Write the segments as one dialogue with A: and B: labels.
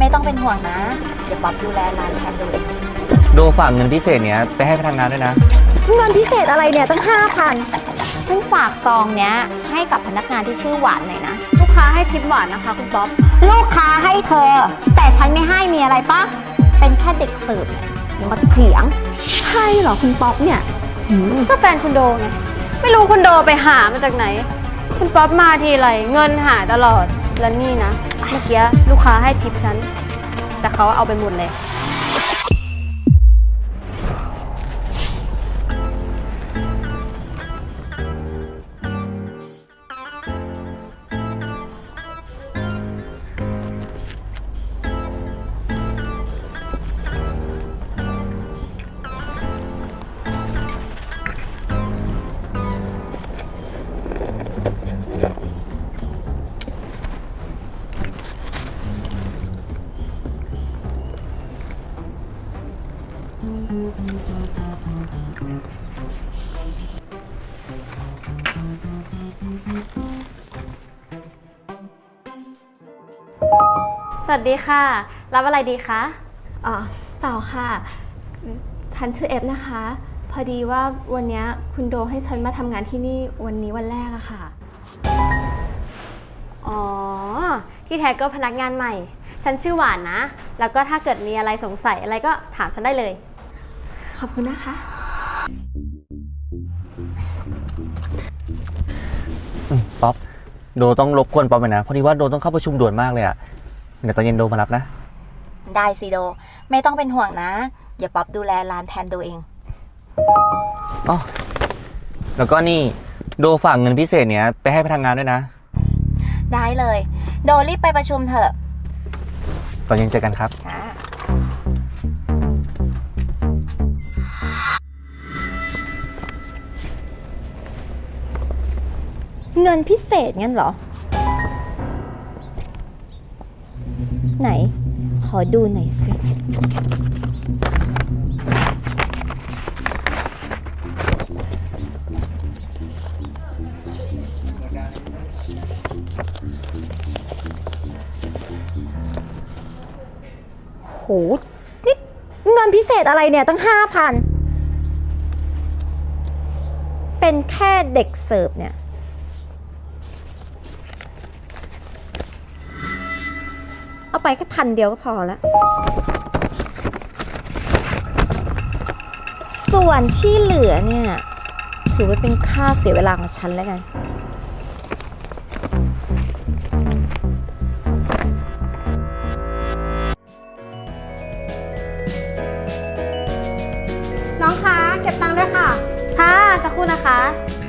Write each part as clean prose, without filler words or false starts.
A: ไม่ต้องเป็นห่วงนะเดี๋ยวป๊อปดูแลร้านแทนดู
B: โดฝากเงินพิเศษเนี้ยไปให้พนักงานด้วยนะ
C: เงินพิเศษอะไรเนี่ยตั้ง5,000
A: ฉันฝากซองเนี้ยให้กับพนักงานที่ชื่อหวานหน่อยนะ
D: ลูกค้าให้ทิปหวานนะคะคุณป๊อป
A: ลูกค้าให้เธอ แต่ฉันไม่ให้มีอะไรปะเป็นแค่เด็กเสิร์ฟเนี่ยอย่ามาเถียง
D: ใช่เหรอคุณป๊อปเนี่ยก็แฟนคุณโดไงไม่รู้คุณโดไปหามาจากไหน คุณป๊อปมาทีไรเงินหายตลอดแล้วนี่นะเมื่อกี้ลูกค้าให้ทิปฉันแต่เขาเอาไปหมดเลย สวัสดีค่ะรับอะไรดีคะ
E: อ๋อเปล่าค่ะฉันชื่อเอฟนะคะ พอดีว่าวันนี้คุณโดให้ฉันมาทำงานที่นี่วันนี้วันแรกอะค่ะ
D: อ๋อที่แท้ก็พนักงานใหม่ฉันชื่อหวานนะแล้วก็ถ้าเกิดมีอะไรสงสัยอะไรก็ถามฉันได้เลย
E: ขอบคุณนะคะ
B: ป๊อปโดต้องรบกวนป๊อปไปนะพอดีว่าโดต้องเข้าประชุมด่วนมากเลยอะเดี๋ยวตอนเย็นโดมารับนะ
A: ได้สิโดไม่ต้องเป็นห่วงนะเดี๋ยวป๊อปดูแลร้านแทนดูเอง
B: อ๋อแล้วก็นี่โดฝากเงินพิเศษเนี้ยไปให้พนักงานด้วยนะ
A: ได้เลยโดรีบไปประชุมเถอะ
B: ตอนเย็นเจอกันครับ
C: เงินพิเศษงั้นเหรอ ไหน ขอดูหน่อยสิ โห นี่เงินพิเศษอะไรเนี่ยตั้ง5,000เป็นแค่เด็กเสิร์ฟเนี่ย เอาไปแค่1,000ก็พอแล้ว ส่วนที่เหลือเนี่ย ถือว่าเป็นค่าเสียเวลาของฉันแล้วกัน
D: น้องคะเก็บตังค์ด้วยค่ะค่ะสักครู่นะคะ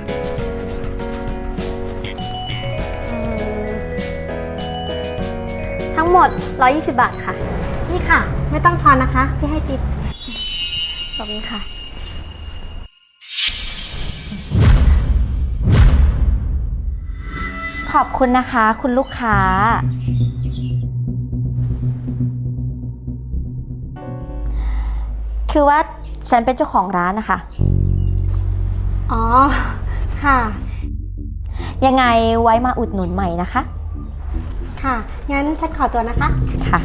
D: ทั้งหมด120 บาทค่ะนี่ค่ะไม่ต้องทอนนะคะพี่ให้ติ๊บขอบคุณค่ะ
A: ขอบคุณนะคะคุณลูกค้า คือว่าฉันเป็นเจ้าของร้านนะคะ
D: อ๋อค่ะ
A: ยังไงไว้มาอุดหนุนใหม่นะคะ
D: ค่ะงั้นฉันขอตัวนะคะ
A: ค่ะ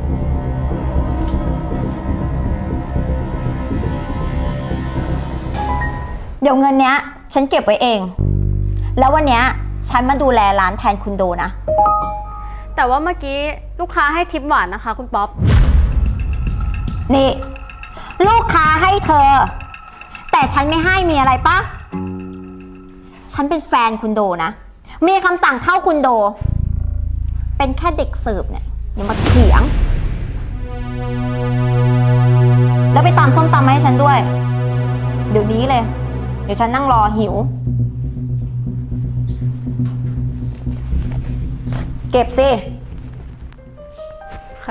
A: เดี๋ยวเงินเนี้ย ฉันเก็บไว้เอง แล้ววันเนี้ยฉันมาดูแลร้านแทนคุณโดนะ
D: แต่ว่าเมื่อกี้ลูกค้าให้ทิปหวานนะคะคุณป๊อป
A: นี่ ลูกค้าให้เธอ แต่ฉันไม่ให้มีอะไรปะฉันเป็นแฟนคุณโดนะ มีคำสั่งเข้าคุณโด เป็นแค่เด็กเสิร์ฟเนี่ยอย่ามาเถียง แล้วไปตำส้มตำมาให้ฉันด้วย เดี๋ยวนี้เลย เดี๋ยวฉันนั่งรอหิว เก็บสิ
D: ค่ะ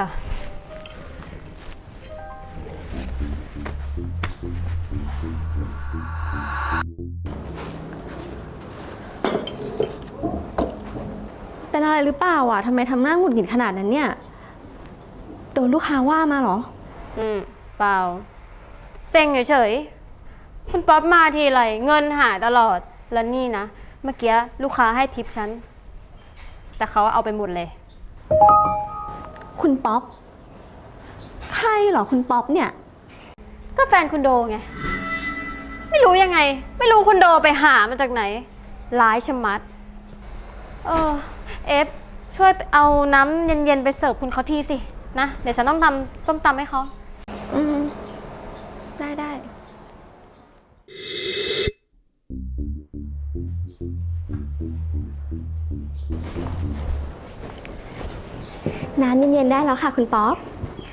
E: เป็นอะไรหรือเปล่าอ่ะทำไมทำหน้าหงุดหงิดขนาดนั้นเนี่ย โดนลูกค้าว่ามาเหรอ
D: เปล่าเซ็งเฉยๆคุณป๊อปมาทีไรเงินหายตลอดแล้วนี่นะเมื่อกี้ลูกค้าให้ทิปฉันแต่เขาเอาไปหมดเลย
E: คุณป๊อปรเหรอคุณป๊อปเนี่ย
D: ก็แฟนคุณโดไง ไม่รู้ยังไง ไม่รู้คุณโดไปหามาจากไหน ร้ายชะมัด เอฟช่วยเอาน้ำเย็นๆไปเสิร์ฟคุณเขาทีสินะ เดี๋ยวฉันต้องทำส้มตำให้เขา
E: ได้ น้ำเย็นๆได้แล้วค่ะคุณป๊อป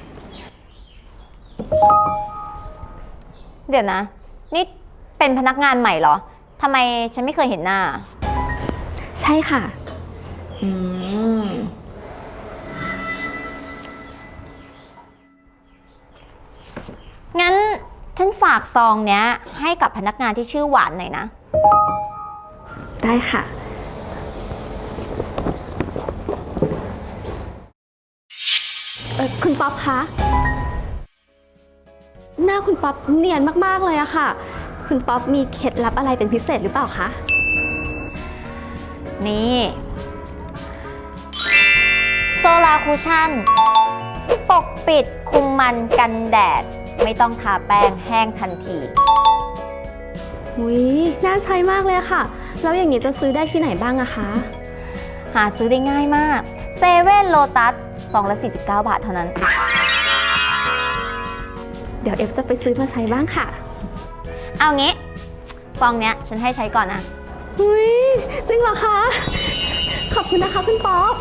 A: เดี๋ยวนะ นี่เป็นพนักงานใหม่เหรอ ทำไมฉันไม่เคยเห็นหน้า
E: ใช่ค่ะ
A: งั้นฉันฝากซองเนี้ยให้กับพนักงานที่ชื่อหวานหน่อยนะ
E: ได้ค่ะ คุณป๊อปคะ หน้าคุณป๊อปเนียนมากๆเลยอะค่ะ คุณป๊อปมีเคล็ดลับอะไรเป็นพิเศษหรือเปล่าคะ
A: นี่โซลาคูชั่นปกปิดคุมมันกันแดด ไม่ต้องทาแป้งแห้งทันที
E: อุ๊ย น่าใช้มากเลยค่ะ แล้วอย่างนี้จะซื้อได้ที่ไหนบ้างอะคะ
A: หาซื้อได้ง่ายมากเซเว่นโลตัสซองละ49 บาทเท่านั้น
E: เดี๋ยวเอฟจะไปซื้อมาใช้บ้างค่ะ
A: เอางี้ซองเนี้ยฉันให้ใช้ก่อนนะ
E: อุ๊ย จริงเหรอคะ ขอบคุณนะคะคุณป๊อป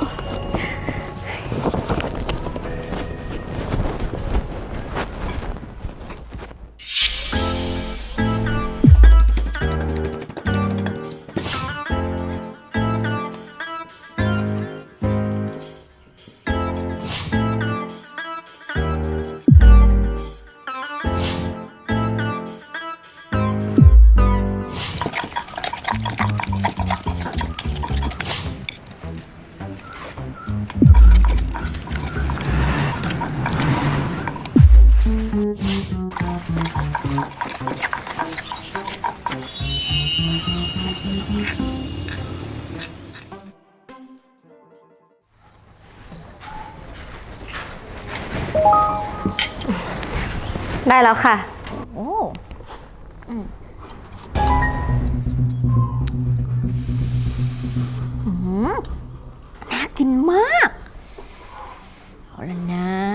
D: ได้แล้วค่ะ
A: โอ้น่ากินมาก เอาละนะ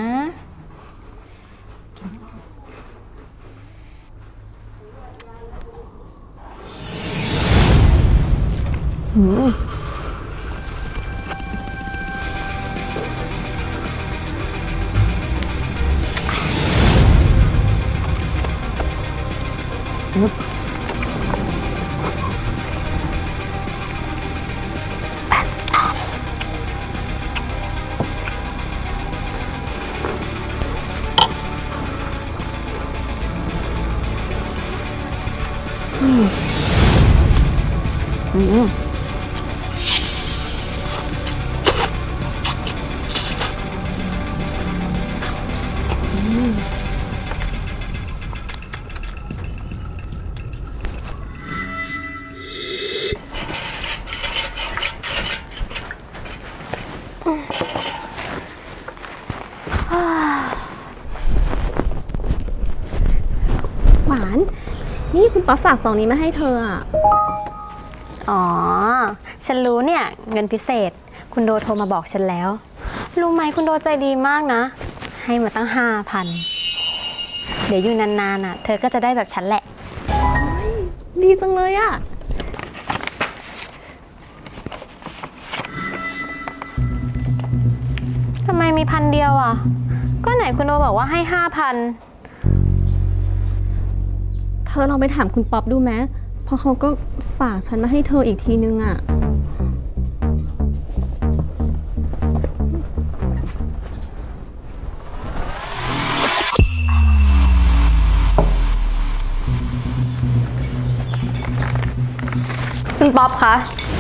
E: หวาน นี่คุณป๊อปฝากซองนี้มาให้เธออะ
D: อ๋อ ฉันรู้เนี่ย เงินพิเศษ คุณโดโทรมาบอกฉันแล้ว รู้ไหมคุณโดใจดีมากนะ ให้มาตั้ง 5,000 เดี๋ยวอยู่นานๆเธอก็จะได้แบบฉันแหละ
E: ดีจังเลยอะ
D: ทำไมมี1,000 เดียวอ่ะ ก็ไหนคุณโดบอกว่าให้ 5,000
E: เธอลองไปถามคุณป๊อปดูไหมเพราะเขาก็ฝากฉันมาให้เธออีกทีนึงอะ
D: คุณป๊อปคะ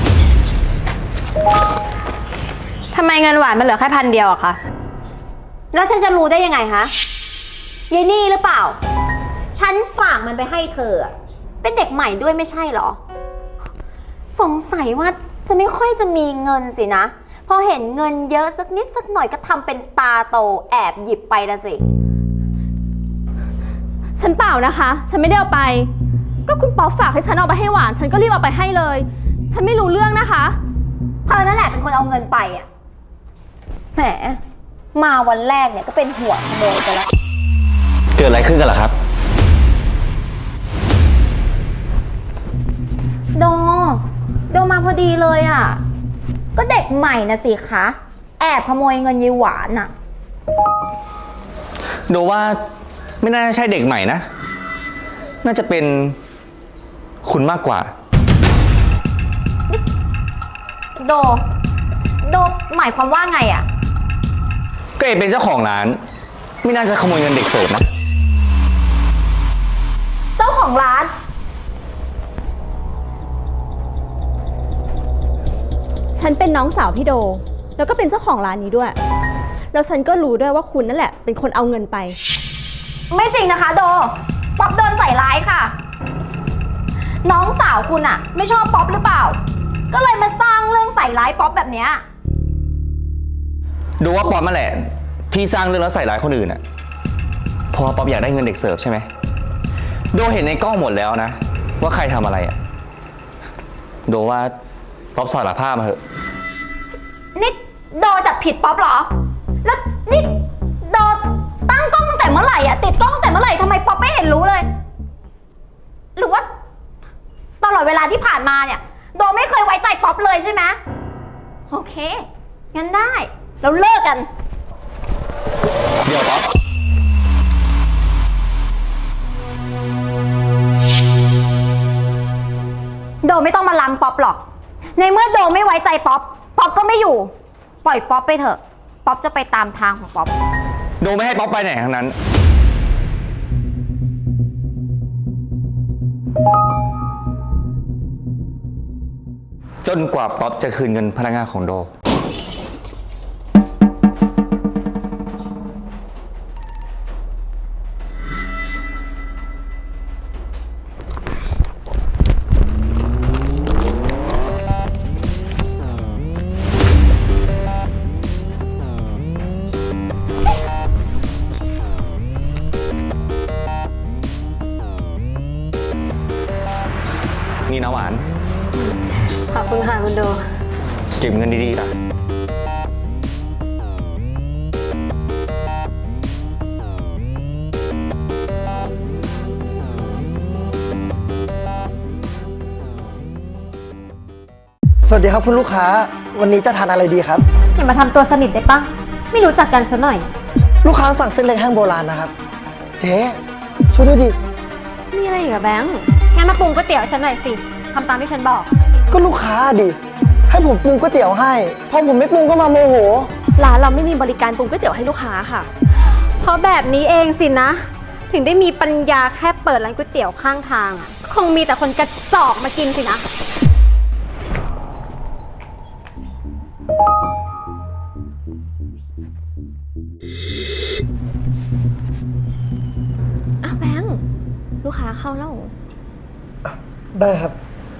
D: ทำไมเงินหวานมันเหลือแค่1,000 เดียวอะคะ
A: แล้วฉันจะรู้ได้ยังไงฮะยายนี่หรือเปล่า ฉันฝากมันไปให้เธออะเป็นเด็กใหม่ด้วยไม่ใช่เหรอ สงสัยว่าจะไม่ค่อยจะมีเงินสินะ พอเห็นเงินเยอะสักนิดสักหน่อยก็ทำเป็นตาโตแอบหยิบไปละสิ
E: ฉันเปล่านะคะ ฉันไม่ได้เอาไป ก็คุณป๊อปฝากให้ฉันเอาไปให้หวาน ฉันก็รีบเอาไปให้เลย ฉันไม่รู้เรื่องนะคะ
A: เธอนั่นแหละเป็นคนเอาเงินไปอ่ะ แหม มาวันแรกเนี่ยก็เป็นหัวขโมยไปแล้ว
B: เกิดอะไรขึ้นกันล่ะครับ
A: โดมาพอดีเลยอ่ะ ก็เด็กใหม่นะสิคะ แอบขโมยเงินยายหวานอ่ะ
B: โดว่าไม่น่าจะใช่เด็กใหม่นะ น่าจะเป็นคุณมากกว่า
A: โดหมายความว่าไงอ่ะ
B: ก็เอเป็นเจ้าของร้าน ไม่น่าจะขโมยเงินเด็กเสิร์ฟนะ
A: เจ้าของร้าน
E: ฉันเป็นน้องสาวพี่โด แล้วก็เป็นเจ้าของร้านนี้ด้วย แล้วฉันก็รู้ด้วยว่าคุณนั่นแหละเป็นคนเอาเงินไป
A: ไม่จริงนะคะป๊อปโดนใส่ร้ายค่ะ น้องสาวคุณอะไม่ชอบป๊อปหรือเปล่า ก็เลยมาสร้างเรื่องใส่ร้ายป๊อปแบบเนี้ย
B: ดูว่าป๊อปมาแหละที่สร้างเรื่องแล้วใส่ร้ายคนอื่นอ่ะเพราะว่าป๊อปอยากได้เงินเด็กเสิร์ฟใช่ไหมโดเห็นในกล้องหมดแล้วนะว่าใครทำอะไรอ่ะโดว่าป๊อปสารภาพมาเถอะ
A: นี่โดจับผิดป๊อปเหรอ แล้วนี่โดตั้งกล้องตั้งแต่เมื่อไหร่อะติดกล้องตั้งแต่เมื่อไหร่ทำไมป๊อปไม่เห็นรู้เลย หรือว่าตลอดเวลาที่ผ่านมาเนี่ยโดไม่เคยไว้ใจป๊อปเลยใช่ไหมโอเค งั้นได้เราเลิกกัน
B: เดี๋ยวป๊อป
A: โดไม่ต้องมาลังป๊อปหรอก ในเมื่อโดไม่ไว้ใจป๊อป ป๊อปก็ไม่อยู่ ปล่อยป๊อปไปเถอะ ป๊อปจะไปตามทางของป๊อป
B: โดไม่ให้ป๊อปไปไหนทั้งนั้น จนกว่าป๊อปจะคืนเงินพนักงานของโด นี่นะหวาน
D: ขอบคุณค่ะคุณโด
B: เก็บเงินดีๆล่ะ
F: สวัสดีครับคุณลูกค้า วันนี้จะทานอะไรดีครับ
D: อย่ามาทำตัวสนิทได้ปะไม่รู้จักกันซะหน่อย
F: ลูกค้าสั่งเส้นเล็กแห้งโบราณนะครับ เจ๊ช่วยด้วยดิ
E: มีอะไรอีกอะแบงค์
D: งั้นมาปรุงก๋วยเตี๋ยวฉันหน่อยสิ ทำตามที่ฉันบอก
F: ก็ลูกค้าดิ ให้ผมปรุงก๋วยเตี๋ยวให้พอผมไม่ปรุงก็มาโมโห
E: ร้านเราไม่มีบริการปรุงก๋วยเตี๋ยวให้ลูกค้าค่ะ
D: เพราะแบบนี้เองสินะ ถึงได้มีปัญญาแค่เปิดร้านก๋วยเตี๋ยวข้างทางอะคงมีแต่คนกระจอกมากินสินะ
E: อ้าวแบงค์ ลูกค้าเข้าแล้ว
F: ได้ครับ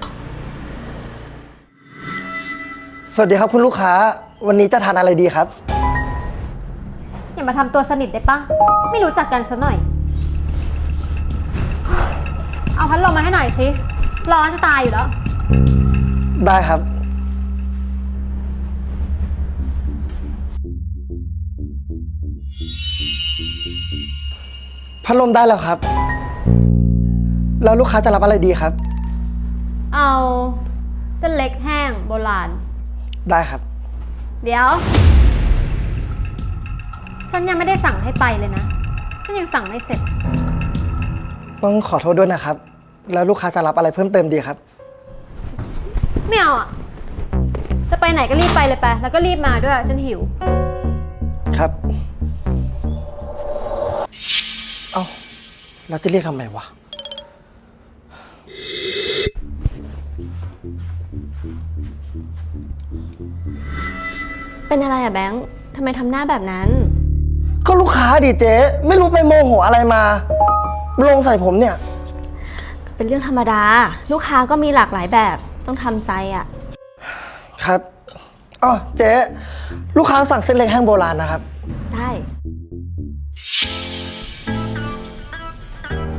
F: สวัสดีครับคุณลูกค้า วันนี้จะทานอะไรดีครับ
D: อย่ามาทำตัวสนิทได้ปะไม่รู้จักกันซะหน่อย เอาพัดลมมาให้หน่อยสิ ร้อนจะตายอยู่แล้ว
F: ได้ครับ พัดลมได้แล้วครับ แล้วลูกค้าจะรับอะไรดีครับ
D: เอาเส้นเล็กแห้งโบราณ
F: ได้ครับ
D: เดี๋ยว ฉันยังไม่ได้สั่งให้ไปเลยนะ ฉันยังสั่งไม่เสร็จ
F: ต้องขอโทษด้วยนะครับ แล้วลูกค้าจะรับอะไรเพิ่มเติมดีครับ
D: ไม่เอาอ่ะ จะไปไหนก็รีบไปเลยไป แล้วก็รีบมาด้วย ฉันหิว
F: ครับ เอ้าเราจะเรียกทำไมวะ
E: เป็นอะไรอะแบงค์ ทำไมทำหน้าแบบนั้น
F: ก็ลูกค้าดิเจ๊ไม่รู้ไปโมโหอะไรมาลงใส่ผมเนี่ย
E: เป็นเรื่องธรรมดา ลูกค้าก็มีหลากหลายแบบ ต้องทำใจอะ
F: ครับอ๋อเจ๊ลูกค้าสั่งเส้นเล็กแห้งโบราณนะครับ
E: ได้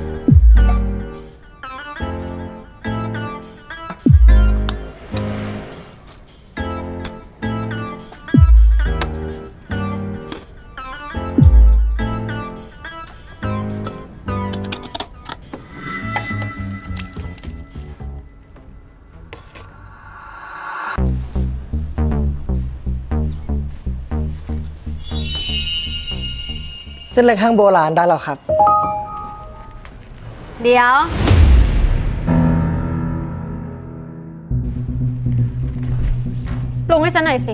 F: ส้นเล็กแห้งโบราณได้แล้วครับ
D: เดี๋ยวปรุงให้ฉันหน่อยสิ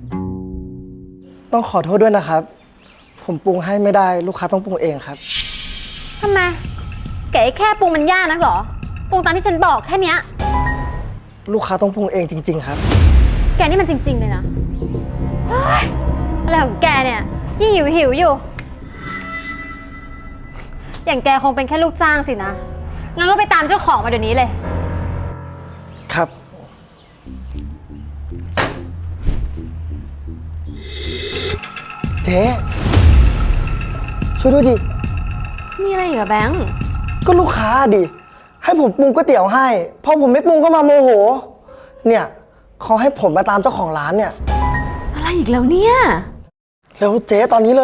F: ต้องขอโทษด้วยนะครับ ผมปรุงให้ไม่ได้ลูกค้าต้องปรุงเองครับ
D: ทำไมแกแค่ปรุงมันยากนักเหรอ ปรุงตามที่ฉันบอกแค่เนี้ย
F: ลูกค้าต้องปรุงเองจริง ๆ ครับ
D: แกนี่มันจริง ๆ เลยนะเฮ้ยอะไรของแกเนี่ยยิ่งหิวอยู่ อย่างแกคงเป็นแค่ลูกจ้างสินะ งั้นก็ไปตามเจ้าของมาเดี๋ยวนี้เลย
F: ครับ เจ๊ช่วยด้วยดิ
E: มีอะไรอีกอะแบงค์
F: ก็ลูกค้าดิ ให้ผมปรุงก๋วยเตี๋ยวให้พอผมไม่ปรุงก็มาโมโห เนี่ยเขาให้ผมมาตามเจ้าของร้านเนี่ย
E: อะไรอีกแล้วเนี่ย
F: เร็วเจ๊ตอนนี้เลย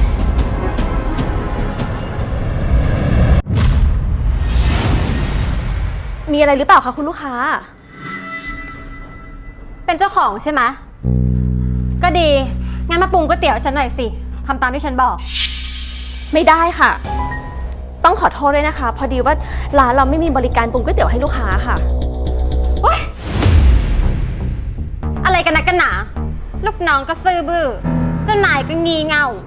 E: มีอะไรหรือเปล่าคะคุณลูกค้า
D: เป็นเจ้าของใช่ไหมก็ดี งั้นมาปรุงก๋วยเตี๋ยวฉันหน่อยสิทำตามที่ฉันบอก
E: ไม่ได้ค่ะ ต้องขอโทษด้วยนะคะ พอดีว่าร้านเราไม่มีบริการปรุงก๋วยเตี๋ยวให้ลูกค้าค่ะ
D: โอ๊ยอะไรกันนะกันหนาลูกน้องก็ซื่อบื้อเจ้านายก็งีเง่า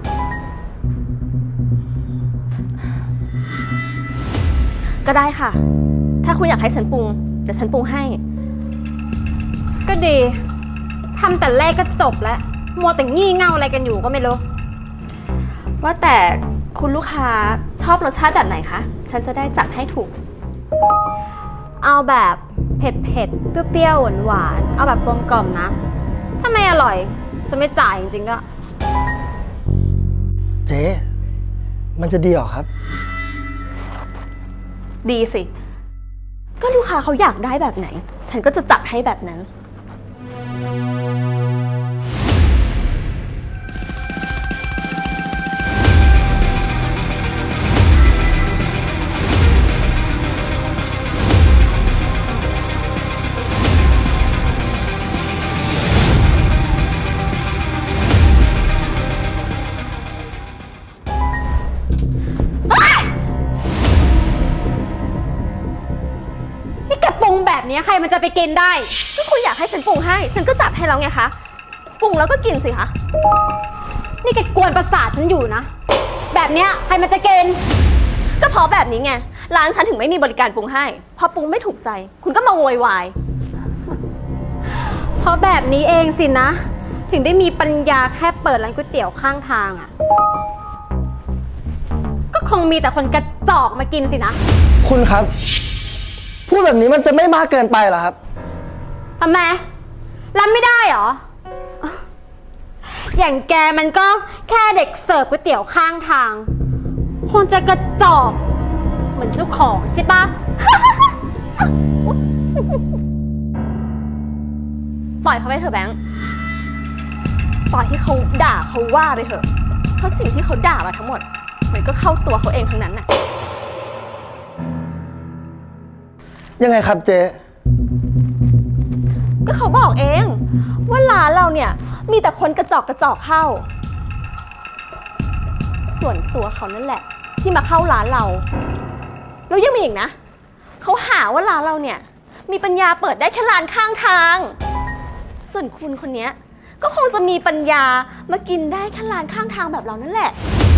E: ก็ได้ค่ะ ถ้าคุณอยากให้ฉันปรุงเดี๋ยวฉันปรุงให้
D: ก็ดีทำแต่แรกก็จบแล้วมัวแต่งี่เง่าอะไรกันอยู่ก็ไม่รู้
E: ว่าแต่คุณลูกค้าชอบรสชาติแบบไหนคะ ฉันจะได้จัดให้ถูก
D: เอาแบบเผ็ดๆเปรี้ยวๆหวานๆเอาแบบกลมกล่อมนะ ถ้าไม่อร่อยฉันไม่จ่ายจริงๆก็
F: เจ๊มันจะดีเหรอครับ
E: ดีสิ ก็ลูกค้าเขาอยากได้แบบไหน ฉันก็จะจัดให้แบบนั้น
D: นี่แกปรุงแบบนี้ใครมันจะไปกินได้
E: ก็คุณอยากให้ฉันปรุงให้ ฉันก็จัดให้แล้วไงคะ ปรุงแล้วก็กินสิคะ
D: นี่แกกวนประสาทฉันอยู่นะ แบบเนี้ยใครมันจะกิน
E: ก็เพราะแบบนี้ไง ร้านฉันถึงไม่มีบริการปรุงให้ พอปรุงไม่ถูกใจ คุณก็มาโวยวาย
D: เพราะแบบนี้เองสินะ ถึงได้มีปัญญาแค่เปิดร้านก๋วยเตี๋ยวข้างทางอ่ะ ก็คงมีแต่คนกระจอกมากินสินะ
F: คุณครับ พูดแบบนี้มันจะไม่มากเกินไปเหรอครับ
D: ทำไมรับไม่ได้เหรอ อย่างแกมันก็แค่เด็กเสิร์ฟก๋วยเตี๋ยวข้างทาง คงจะกระจอกเหมือนเจ้าของใช่ปะ
E: ปล่อยเขาไปเถอะแบงค์ ปล่อยให้เขาด่าเขาว่าไปเถอะ เพราะสิ่งที่เขาด่ามาทั้งหมด มันก็เข้าตัวเขาเองทั้งนั้นน่ะ
F: ยังไงครับเจ๊
E: ก็เขาบอกเองว่าร้านเราเนี่ยมีแต่คนกระจอกเข้า ส่วนตัวเขานั่นแหละ ที่มาเข้าร้านเรา แล้วยังมีอีกนะ เขาหาว่าร้านเราเนี่ยมีปัญญาเปิดได้แค่ร้านข้างทาง ส่วนคุณคนเนี้ยก็คงจะมีปัญญามากินได้แค่ร้านข้างทางแบบเรานั่นแหละ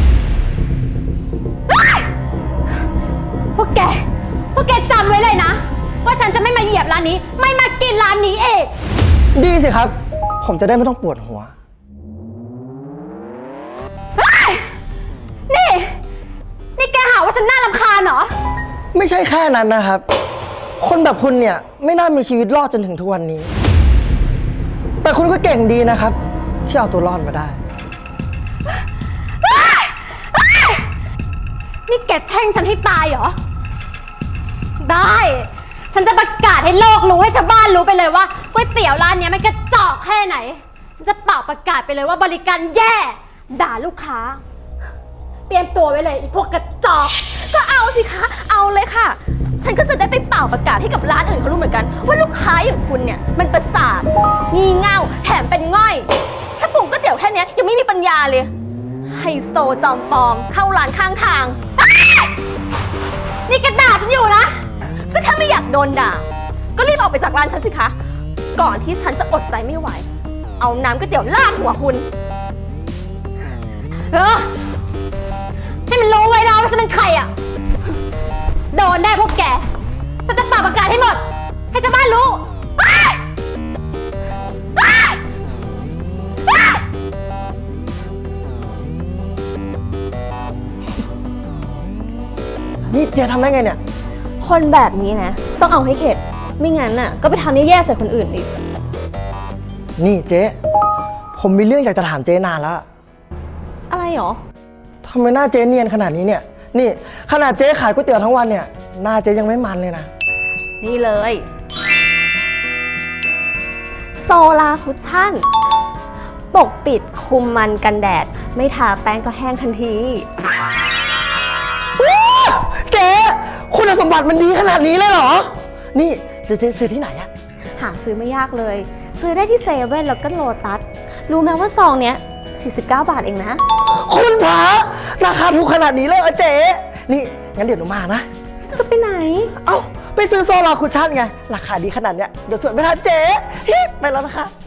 D: พวกแกจำไว้เลยนะ ว่าฉันจะไม่มาเหยียบร้านนี้ ไม่มากินร้านนี้เอง
F: ดีสิครับ ผมจะได้ไม่ต้องปวดหัว
D: นี่แกหาว่าฉันน่ารำคาญเหรอ
F: ไม่ใช่แค่นั้นนะครับ คนแบบคุณเนี่ยไม่น่ามีชีวิตรอดจนถึงทุกวันนี้ แต่คุณก็เก่งดีนะครับ ที่เอาตัวรอดมาได้
D: นี่แกแช่งฉันให้ตายเหรอ ได้ ฉันจะประกาศให้โลกรู้ให้ชาวบ้านรู้ไปเลยว่าก๋วยเตี๋ยวร้านเนี้ยมันกระจอกแค่ไหน ฉันจะเป่าประกาศไปเลยว่าบริการแย่ ด่าลูกค้า เตรียมตัวไว้เลยอีพวกกระจอก
E: ก็เอาสิคะ เอาเลยค่ะ ฉันก็จะได้ไปเป่าประกาศให้กับร้านอื่นเขารู้เหมือนกัน ว่าลูกค้าอย่างคุณเนี่ยมันประสาท งี่เง่า แถมเป็นง่อย แค่ปรุงก๋วยเตี๋ยวแค่เนี้ยยังไม่มีปัญญาเลยไฮโซจอมปลอมเข้าร้านข้างทาง
D: นี่แกด่าฉันอยู่นะ
E: ก็ถ้าไม่อยากโดนด่า ก็รีบออกไปจากร้านฉันสิคะ ก่อนที่ฉันจะอดใจไม่ไหว เอาน้ำก๋วยเตี๋ยวลาดหัวคุณ
D: ให้มันรู้ไว้แล้วว่าฉันเป็นใครอ่ะ โดนได้พวกแก ฉันจะปราบประกาศให้หมด ให้ชาวบ้านรู้
F: นี่เจ๊ทำได้ไงเนี่ย
E: คนแบบนี้นะ ต้องเอาให้เข็ด ไม่งั้นน่ะ ก็ไปทำแย่ๆใส่คนอื่นอีก
F: นี่เจ๊ ผมมีเรื่องอยากจะถามเจ๊นานแล้ว
E: อะไรหรอ
F: ทำไมหน้าเจ๊เนียนขนาดนี้เนี่ย นี่ขนาดเจ๊ขายก๋วยเตี๋ยวทั้งวันเนี่ย หน้าเจ๊ยังไม่มันเลยนะ
E: นี่เลย โซลาคุชชั่น ปกปิดคุมมันกันแดด ไม่ทาแป้งก็แห้งทันที
F: เจ๊คุณสมบัติมันดีขนาดนี้เลยเหรอ นี่เจ๊ซื้อที่ไหนอะ
E: หาซื้อไม่ยากเลย ซื้อได้ที่เซเว่นแล้วก็โลตัส รู้ไหมว่าซองเนี้ย 49 บาทเองนะ
F: คุณพระราคาถูกขนาดนี้เลยเหรอเจ๊ นี่งั้นเดี๋ยวหนูมานะ
E: จะไปไหน
F: เอ้าไปซื้อโซลาคุชชั่นไง ราคาดีขนาดเนี้ยเดี๋ยวสวยไม่ทันเจ๊ฮิไปแล้วนะคะ